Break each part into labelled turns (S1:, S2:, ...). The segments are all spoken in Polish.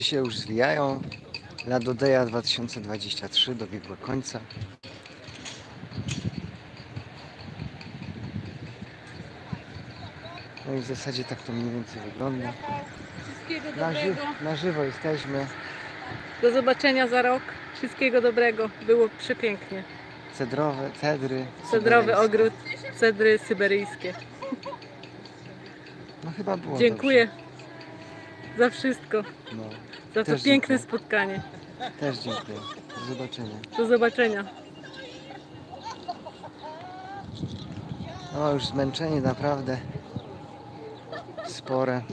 S1: się już zwijają. Ladodeja 2023 dobiegła końca. No i w zasadzie tak to mniej więcej wygląda.
S2: Wszystkiego dobrego.
S1: Na żywo jesteśmy.
S2: Do zobaczenia za rok. Wszystkiego dobrego. Było przepięknie.
S1: Cedry.
S2: Cedrowy
S1: syberyjskie.
S2: ogród, cedry syberyjskie.
S1: No chyba było
S2: Dziękuję za wszystko.
S1: dobrze. No,
S2: Za to
S1: Też
S2: piękne
S1: dziękuję.
S2: spotkanie.
S1: też dziękuję. Do zobaczenia.
S2: Do zobaczenia.
S1: No już zmęczenie naprawdę spore.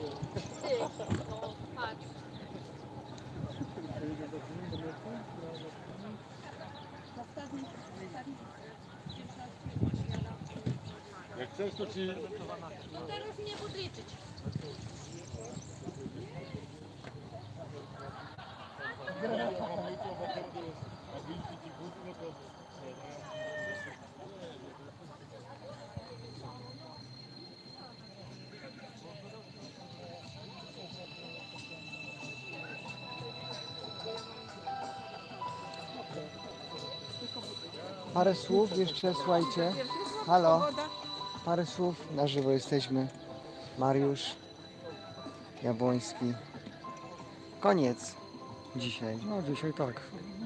S3: Jak chcesz, to ci...
S4: Teraz mnie podliczyć.
S1: Parę słów jeszcze, słuchajcie. Halo. Parę słów. Na żywo jesteśmy. Mariusz Jabłoński. Koniec dzisiaj.
S5: No dzisiaj tak.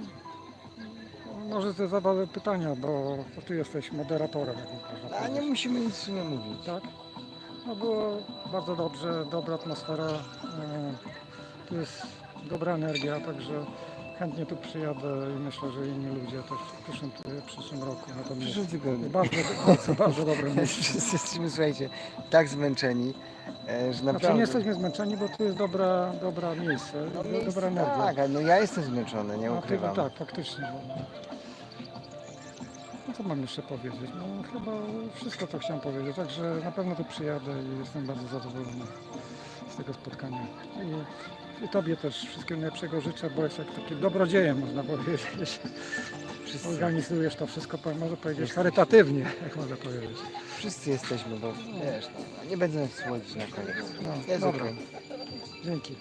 S5: Może to zadać pytania, bo ty jesteś moderatorem. jak można
S1: A nie
S5: powiedzieć.
S1: musimy nic nie mówić.
S5: Tak? No było bardzo dobrze, dobra atmosfera. Tu jest dobra energia, także chętnie tu przyjadę i myślę, że inni ludzie też w przyszłym roku.
S1: W przyszłym tygodniu.
S5: Bardzo dobre miejsce.
S1: Wszyscy jesteśmy, słuchajcie, tak zmęczeni, że
S5: Znaczy
S1: naprawdę...
S5: nie jesteśmy zmęczeni, bo tu jest dobra miejsce, dobra energia.
S1: Tak, ale no ja jestem zmęczony, nie
S5: A ty,
S1: ukrywam.
S5: tak, faktycznie. No co mam jeszcze powiedzieć? No chyba wszystko, co chciałem powiedzieć. Także na pewno tu przyjadę i jestem bardzo zadowolony z tego spotkania. I Tobie też wszystkiego najlepszego życzę, bo jest jak takim dobrodziejem, można powiedzieć.
S1: Wszyscy,
S5: Organizujesz to wszystko, może powiedzieć, charytatywnie, jak można powiedzieć.
S1: wszyscy jesteśmy, bo wiesz, no, nie będę słodzić na koniec.
S5: No,
S1: Jest
S5: dobra.
S1: okej.
S5: Dzięki.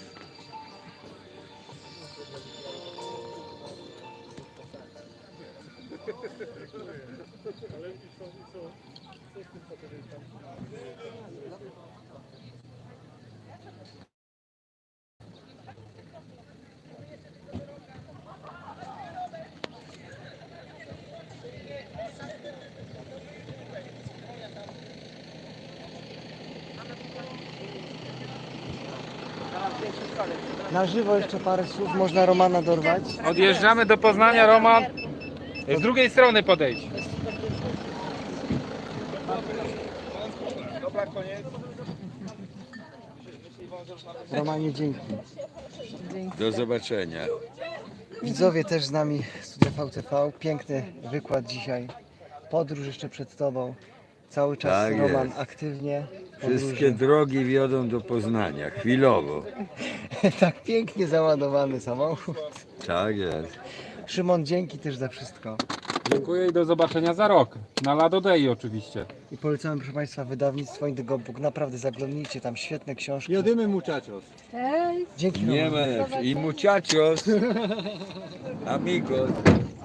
S1: Na żywo jeszcze parę słów, można Romana dorwać.
S3: Odjeżdżamy do Poznania, Roman. Z drugiej strony podejdź.
S1: Romanie, dzięki.
S6: Do zobaczenia.
S1: Widzowie też z nami, Studia VTV. Piękny wykład dzisiaj. Podróż jeszcze przed Tobą. Cały czas
S6: Tak
S1: Roman
S6: jest.
S1: aktywnie.
S6: Wszystkie drogi wiodą do Poznania, chwilowo.
S1: Tak pięknie załadowany samochód.
S6: Tak jest.
S1: Szymon, dzięki też za wszystko.
S3: Dziękuję i do zobaczenia za rok. Na Ladodei oczywiście.
S1: I polecamy, proszę Państwa, wydawnictwo Indigo Book. Naprawdę zaglądnijcie, tam świetne książki.
S6: Jedymy muchachos.
S1: Dzięki
S6: Nie
S1: Roman.
S6: ma lepszych. I muchachos. Amigos.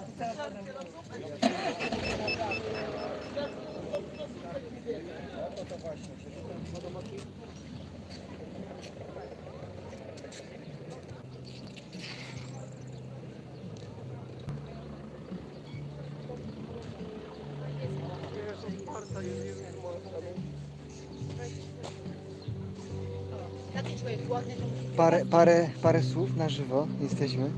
S4: Taki człowiek głodny.
S1: Parę słów na żywo jesteśmy.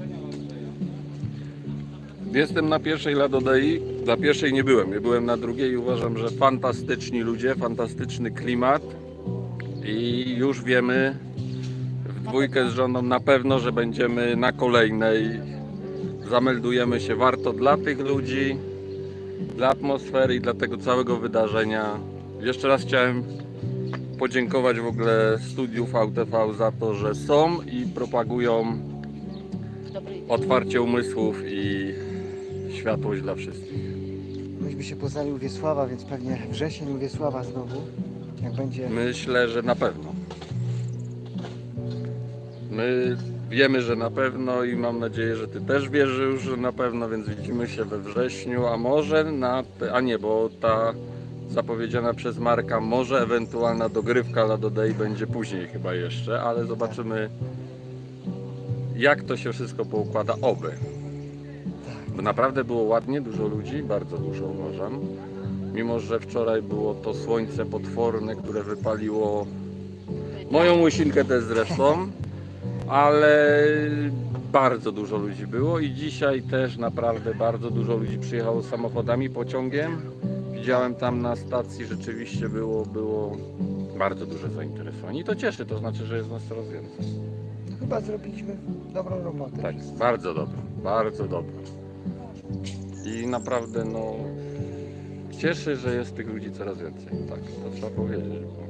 S7: Jestem na pierwszej Ladodei, na pierwszej nie byłem, byłem na drugiej i uważam, że fantastyczni ludzie, fantastyczny klimat i już wiemy w dwójkę z żoną na pewno, że będziemy na kolejnej, zameldujemy się, warto dla tych ludzi, dla atmosfery i dla tego całego wydarzenia. Jeszcze raz chciałem podziękować w ogóle studiu VTV za to, że są i propagują otwarcie umysłów i światłość dla wszystkich.
S1: Myśmy się poznali u Wiesława, więc pewnie wrzesień u Wiesława znowu. Jak będzie.
S7: Myślę, że na pewno. My wiemy, że na pewno i mam nadzieję, że Ty też wierzysz, że na pewno, więc widzimy się we wrześniu, a może bo ta zapowiedziana przez Marka, może ewentualna dogrywka Lado Day będzie później chyba jeszcze, ale zobaczymy, jak to się wszystko poukłada, oby. Bo naprawdę było ładnie, dużo ludzi, bardzo dużo uważam. Mimo że wczoraj było to słońce potworne, które wypaliło moją łysinkę też zresztą, ale bardzo dużo ludzi było i dzisiaj też naprawdę bardzo dużo ludzi przyjechało samochodami, pociągiem. Widziałem tam na stacji, rzeczywiście było bardzo duże zainteresowanie i to cieszy, to znaczy, że jest nas coraz więcej.
S1: No, chyba zrobiliśmy dobrą robotę.
S7: Tak, bardzo dobrze, bardzo dobrze. I naprawdę cieszy, że jest tych ludzi coraz więcej. Tak, to trzeba powiedzieć.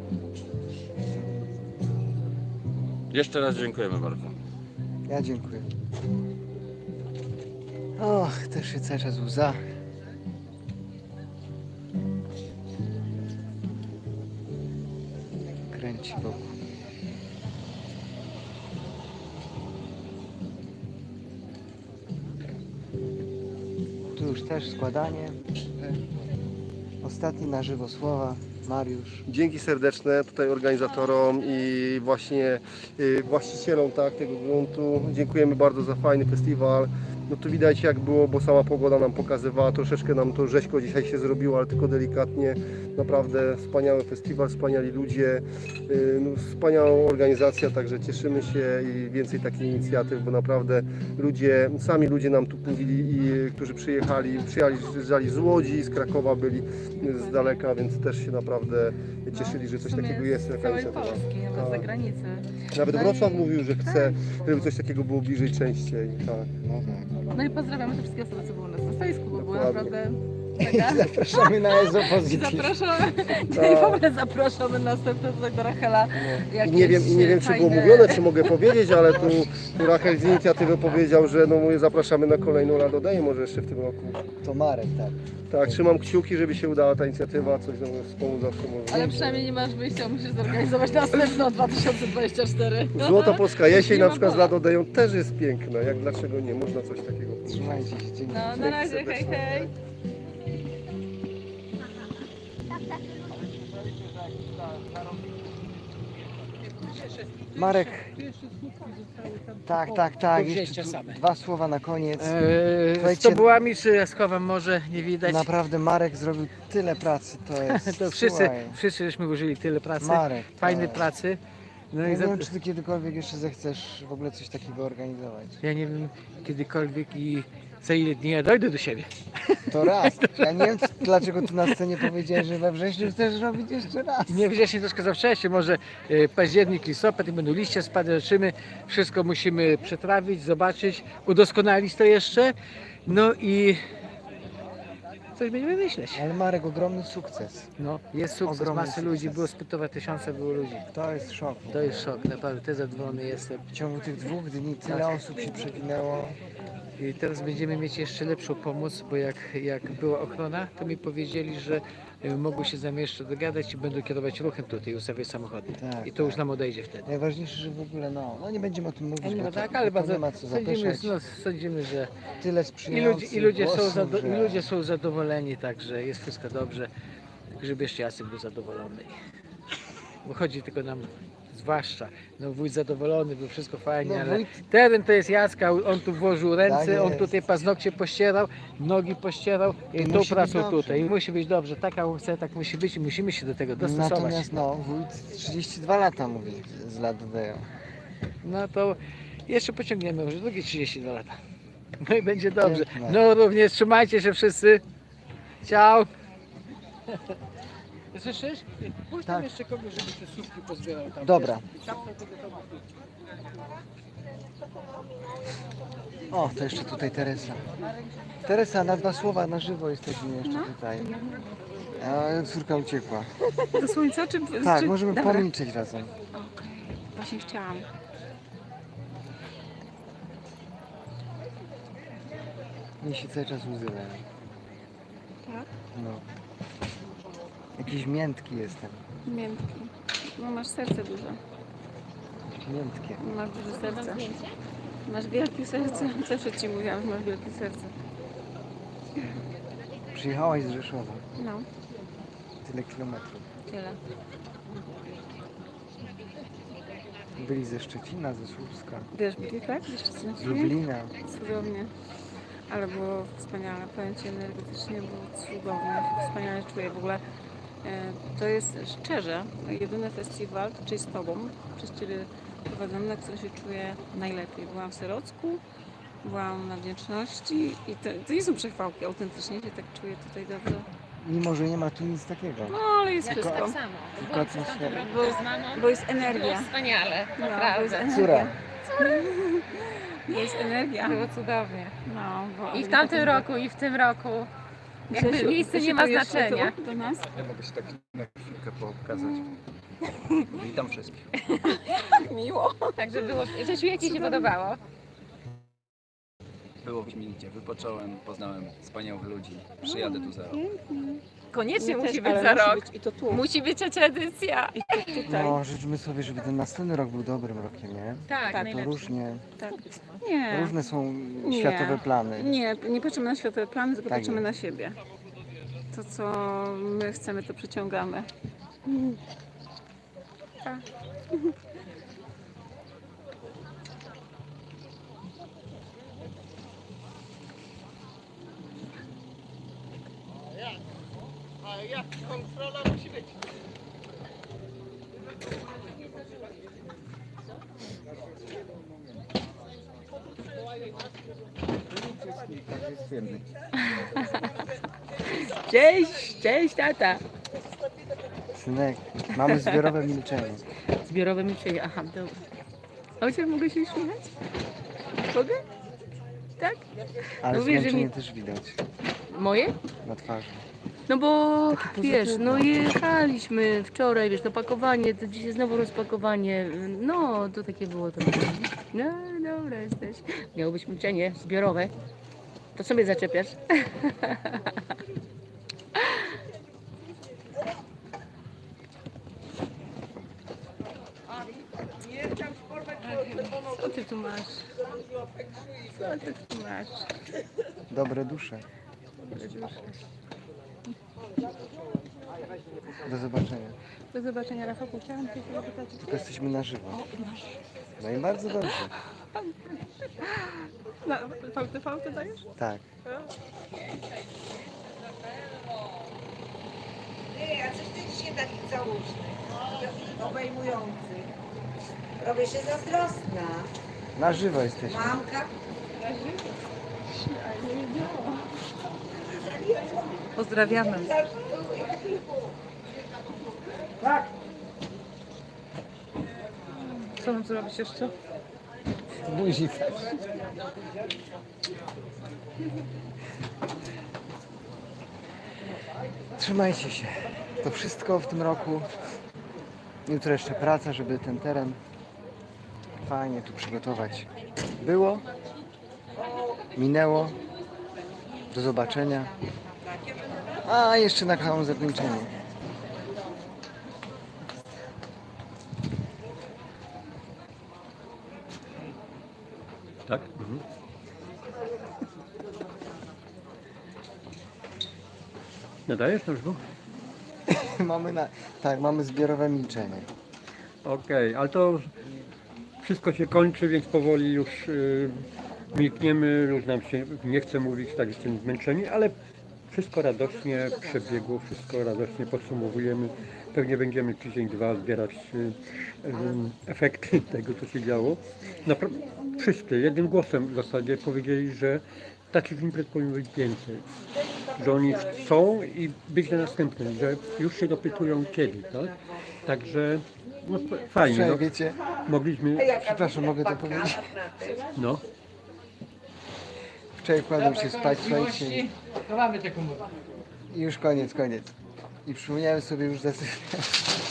S7: Jeszcze raz dziękujemy bardzo.
S1: Ja dziękuję. Och, też się cały czas łza. Kręci wokół. Tu już też składanie. Ostatni na żywo słowa. Mariusz.
S8: Dzięki serdeczne tutaj organizatorom i właśnie właścicielom tego gruntu. Dziękujemy bardzo za fajny festiwal. No tu widać jak było, bo sama pogoda nam pokazywała, troszeczkę nam to rzeźko dzisiaj się zrobiło, ale tylko delikatnie. Naprawdę wspaniały festiwal, wspaniali ludzie, wspaniała organizacja, także cieszymy się i więcej takich inicjatyw, bo naprawdę sami ludzie nam tu mówili, którzy przyjechali z Łodzi, z Krakowa byli z daleka, więc też się naprawdę cieszyli, że coś takiego jest.
S2: Z całej Polski, nawet z zagranicy.
S8: Nawet Wrocław mówił, że chce, żeby coś takiego było bliżej, częściej. Tak.
S2: No i pozdrawiamy te wszystkie osoby, co były u nas na stoisku, bo było
S8: Dokładnie.
S2: naprawdę mega.
S1: Zapraszamy na
S2: I
S1: Ezopozycji.
S2: zapraszamy, i w ogóle zapraszamy następne tutaj do Rachela.
S8: I nie wiem, czy było mówione, czy mogę powiedzieć, ale tu Rachel z inicjatywy powiedział, że zapraszamy na kolejną Lado Day, może jeszcze w tym roku.
S1: To Marek, tak.
S8: Tak, trzymam kciuki, żeby się udała ta inicjatywa, coś nam wspomóc zawsze może.
S2: Ale przynajmniej nie masz wyjścia, musisz zorganizować następną 2024.
S8: Złota Polska jesień
S2: Nie
S8: na
S2: ma
S8: przykład z
S2: mowy.
S8: Lado Dayą też jest piękna, jak dlaczego nie, można coś takiego powiedzieć.
S1: Trzymajcie się, dzięki.
S2: No, na razie, hej, hej.
S1: Marek. Tak. Jeszcze tu dwa słowa na koniec.
S9: Z
S1: Słuchajcie,
S9: tobułami czy z chowem może nie widać.
S1: naprawdę Marek zrobił tyle pracy, to jest.
S9: To wszyscy,
S1: słuchaj,
S9: wszyscy żeśmy użyli tyle pracy,
S1: Marek.
S9: fajnej
S1: tak.
S9: pracy. No
S1: Ja
S9: i
S1: nie
S9: za,
S1: wiem, czy ty kiedykolwiek jeszcze zechcesz w ogóle coś takiego organizować.
S9: ja nie wiem kiedykolwiek i za ile dni ja dojdę do siebie.
S1: To raz. Ja nie wiem, dlaczego ty na scenie powiedziałeś, że we wrześniu chcesz robić jeszcze raz.
S9: Nie wrześniu troszkę za wcześnie, może październik, listopad i będą liście spadały, wszystko musimy przetrawić, zobaczyć, udoskonalić to jeszcze. No i coś będziemy myśleć.
S1: Ale Marek, ogromny sukces.
S9: No, jest sukces,
S1: Ogromny
S9: masy ludzi,
S1: sukces.
S9: było spytowe tysiące było ludzi.
S1: To jest szok.
S9: To jest szok, naprawdę, też zadowolony jestem.
S1: W ciągu tych 2 dni tyle
S9: Tak.
S1: osób się przewinęło.
S9: I teraz będziemy mieć jeszcze lepszą pomoc, bo jak była ochrona, to mi powiedzieli, że mogą się z nami jeszcze dogadać i będą kierować ruchem tutaj, ustawiać samochody.
S1: Tak,
S9: I to już nam odejdzie wtedy.
S1: Najważniejsze, że w ogóle, no nie będziemy o tym mówić,
S9: No
S1: bo
S9: tak,
S1: to,
S9: ale
S1: to
S9: bardzo
S1: nie ma co
S9: sądzimy,
S1: zapeszać.
S9: no, sądzimy, że
S1: Tyle sprzyjających
S9: i ludzie, są,
S1: głosów, że...
S9: i ludzie są zadowoleni, także jest wszystko dobrze, tylko żeby jeszcze Jacek był zadowolony. Bo chodzi tylko nam, zwłaszcza, no wójt zadowolony, był wszystko fajnie,
S1: No,
S9: ale
S1: wójt-
S9: teren to jest Jacka, on tu włożył ręce,
S1: Tak
S9: on
S1: jest.
S9: tutaj paznokcie pościerał, nogi pościerał i tą
S1: musi być
S9: pracą
S1: dobrze.
S9: tutaj. I musi być dobrze, taka chce, tak musi być i musimy się do tego dostosować.
S1: Natomiast no, wójt 32 lata mówi z Lado Day.
S9: No to jeszcze pociągniemy może drugie 32 lata. No i będzie dobrze.
S1: Piękne.
S9: No również trzymajcie się wszyscy. Ciao. Słyszysz? Pójdź tam
S1: Tak.
S9: jeszcze kogoś, żeby te słupki pozbierał tam.
S1: Dobra. O, to jeszcze tutaj Teresa. Teresa, na 2 słowa na żywo jesteśmy jeszcze tutaj. A córka uciekła.
S10: Do słońca czy...
S1: Tak,
S10: czy...
S1: możemy
S10: Dobra.
S1: pomilczeć razem.
S10: Właśnie chciałam.
S1: Mi się cały czas łzy leją.
S10: Tak?
S1: No. Jakiś miętki jestem.
S10: Miętki. No masz serce duże.
S1: Miętkie.
S10: Masz duże serce. Masz wielkie serce. Zawsze ci mówiłam, że masz wielkie serce.
S1: Przyjechałaś z Rzeszowa.
S10: No,
S1: Tyle kilometrów.
S10: tyle.
S1: Byli ze Szczecina, ze Słupska,
S10: Wiesz, byli tak? Jeszcze
S1: z
S10: coś
S1: Lublina.
S10: Cudownie. Ale było wspaniale. Powiem ci, energetycznie było cudownie. Wspaniale czuję. W ogóle to jest szczerze jedyny festiwal, czyli z Tobą, przez Ciebie prowadzony, na którym się czuję najlepiej. Byłam w Serocku, byłam na Wdzięczności i to nie są przechwałki, autentycznie się tak czuję tutaj dobrze.
S1: Mimo, że nie ma tu nic takiego.
S10: No, ale jest
S1: Tylko-
S10: wszystko.
S4: Samo.
S1: Tylko atmosfera.
S10: Bo jest energia.
S4: Było wspaniale,
S10: No, bo jest
S4: naprawdę.
S10: energia.
S1: Córa.
S10: Bo jest energia.
S4: Było cudownie.
S10: No, bo
S4: I w tamtym roku, i w tym roku. Jakby miejsce nie ma znaczenia.
S10: Do nas?
S3: Ja mogę się tak na chwilkę pokazać. Witam wszystkich.
S10: Miło.
S4: Także było. Rzesiu, jak Ci się podobało?
S11: Było wyśmienicie, wypocząłem, poznałem wspaniałych ludzi. Przyjadę tu za rok.
S4: Koniecznie
S10: My
S4: musi
S10: też,
S4: być
S10: ale
S4: za
S10: musi
S4: rok.
S10: być I to tu.
S4: Musi być trzecia edycja.
S10: I to tutaj.
S1: No, życzmy sobie, żeby ten następny rok był dobrym rokiem, nie?
S4: Tak,
S10: Tak,
S1: To różnie,
S10: Tak. Nie.
S1: różne są
S10: Nie.
S1: światowe plany.
S10: Nie patrzymy na światowe plany, tylko
S1: Tak
S10: patrzymy
S1: jest.
S10: na siebie. To, co my chcemy, to przyciągamy. Tak.
S2: Cześć tata.
S1: Synek, mamy zbiorowe milczenie.
S2: Zbiorowe milczenie, aha, dobra. Ojciec, mogę się uśmiechać? Mogę? Tak?
S1: Ale
S2: No wiesz, że
S1: zmęczenie
S2: mi-
S1: też widać
S2: Moje?
S1: na twarzy.
S2: No bo
S1: Takie
S2: wiesz,
S1: pozytywne.
S2: no jechaliśmy wczoraj, wiesz, to pakowanie, to dzisiaj znowu rozpakowanie, no to takie było to. No dobra jesteś. Miało być milczenie zbiorowe. To co mnie zaczepiasz? Co ty tu masz? Co ty tu masz?
S1: Dobre dusze. Do zobaczenia.
S10: Do zobaczenia, Rafałku. Chciałam Cię zapytać.
S1: Tylko jesteśmy na żywo. No i bardzo dobrze.
S10: Na VTV to dajesz?
S1: Tak.
S12: A coś ty dzisiaj taki całuszny, obejmujący. Robię się zazdrosna.
S1: Na żywo jesteśmy.
S12: Mamka?
S10: Pozdrawiamy. Co mam zrobić jeszcze?
S1: Buzi też. Trzymajcie się. To wszystko w tym roku. Jutro jeszcze praca, żeby ten teren fajnie tu przygotować. Było, minęło. Do zobaczenia. A jeszcze na całą zakończenie.
S11: Tak? Nadajesz to już?
S1: Mamy zbiorowe milczenie.
S11: Okej, ale to wszystko się kończy, więc powoli już milkniemy, już nam się nie chce mówić, tak jesteśmy zmęczeni, ale wszystko radośnie przebiegło, wszystko radośnie podsumowujemy. Pewnie będziemy tydzień, dwa zbierać efekty tego, co się działo. Wszyscy jednym głosem w zasadzie powiedzieli, że takich imprez powinno być więcej. Że oni chcą i być na następnym, że już się dopytują kiedy, tak? Także no, fajnie.
S1: Wczoraj,
S11: No,
S1: wiecie,
S11: mogliśmy.
S1: przepraszam, mogę to powiedzieć?
S11: No.
S1: Wczoraj kładłem się spać, słuchajcie,
S9: Chowamy te komuny.
S1: i już koniec. I przypomniałem sobie już zasypiać.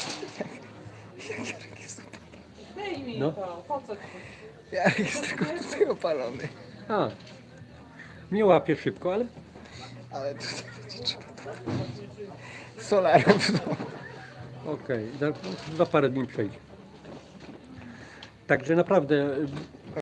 S11: No.
S1: Jarek jest tylko tutaj opalony.
S11: A. Nie łapię szybko, ale
S1: Ale tutaj będzie trzeba to... Solarem w domu.
S11: okej, za parę dni przejdzie. Także naprawdę